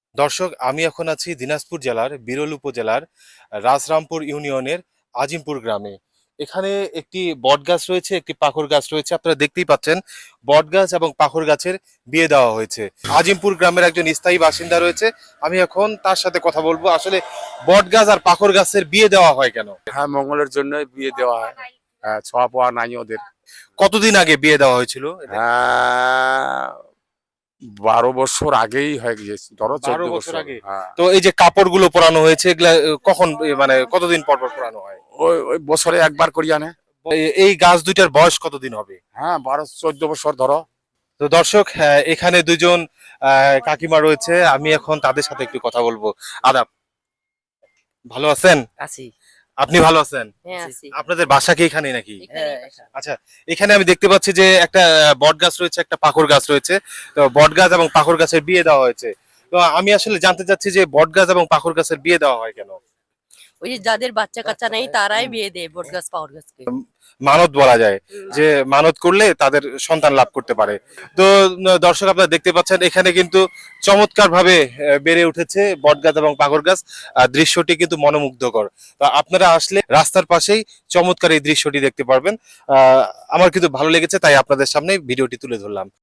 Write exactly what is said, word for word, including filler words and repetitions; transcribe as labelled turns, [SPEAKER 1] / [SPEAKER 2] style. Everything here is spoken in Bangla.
[SPEAKER 1] দর্শক, আমি এখন আছি দিনাজপুর জেলার বিরল উপজেলার রাজরামপুর ইউনিয়নের আজিমপুর গ্রামে। এখানে একটি বট গাছ রয়েছে, একটি পাখর গাছ রয়েছে। আপনারা দেখতেই পাচ্ছেন বট গাছ এবং পাখর গাছের বিয়ে দেওয়া হয়েছে। আজিমপুর গ্রামের একজন স্থায়ী বাসিন্দা রয়েছে, আমি এখন তার সাথে কথা বলবো। আসলে বট গাছ আর পাখর গাছের বিয়ে দেওয়া হয় কেন?
[SPEAKER 2] হ্যাঁ, মঙ্গলের জন্য বিয়ে দেওয়া হয়। হ্যাঁ, ছোঁয়া পোয়া নাই ওদের।
[SPEAKER 1] কতদিন আগে বিয়ে দেওয়া হয়েছিল এদের?
[SPEAKER 2] হ্যাঁ, বারো বছর আগেই হয়ে গিয়েছে, ধরো চোদ্দ
[SPEAKER 1] বারো বছর
[SPEAKER 2] বছর
[SPEAKER 1] আগে।
[SPEAKER 2] হ্যাঁ।
[SPEAKER 1] তো এই যে কাপড়গুলো পরানো হয়েছে, এগুলা আহ, কখন এ, মানে কতদিন পর পর পরানো হয়?
[SPEAKER 2] ওই ওই বছরে একবার করি আনে।
[SPEAKER 1] এ- এই গাছ দুইটার বয়স কতদিন হবে?
[SPEAKER 2] হ্যাঁ, বারো চোদ্দ বছর ধরো।
[SPEAKER 1] তো দর্শক, হ্যাঁ, এখানে দুজন আহ, কাকিমা রয়েছে, আমি এখন তাদের সাথে একটু কথা বলবো। আদাব, ভালো আছেন?
[SPEAKER 3] আছি।
[SPEAKER 1] আপনি ভালো আছেন?
[SPEAKER 3] হ্যাঁ আছি।
[SPEAKER 1] আপনাদের বাসা কি এখানে নাকি?
[SPEAKER 3] হ্যাঁ,
[SPEAKER 1] আচ্ছা, এখানে আমি দেখতে পাচ্ছি যে একটা বট গাছ রয়েছে, একটা পাখর গাছ রয়েছে। তো বট গাছ এবং পাখর গাছের বিয়ে দেওয়া হয়েছে। তো আমি আসলে জানতে চাচ্ছি যে বট গাছ এবং পাখর গাছের বিয়ে দেওয়া হয় কেন?
[SPEAKER 3] ওই যে যাদের বাচ্চা কাচ্চা নেই তারাই বিয়ে দেয় বট গাছ পাওয়ার গাছকে।
[SPEAKER 1] মানত বলা যায় যে মানত করলে তাদের সন্তান লাভ করতে পারে। তো উম, দর্শক, আপনারা দেখতে পাচ্ছেন এখানে কিন্তু চমৎকার ভাবে বেড়ে উঠেছে বটগাছ এবং পাগর গাছ। আহ, দৃশ্যটি কিন্তু মনোমুগ্ধকর। তো আপনারা আসলে রাস্তার পাশেই চমৎকার এই দৃশ্যটি দেখতে পারবেন। আহ আমার কিন্তু ভালো লেগেছে, তাই আপনাদের সামনে ভিডিওটি তুলে ধরলাম।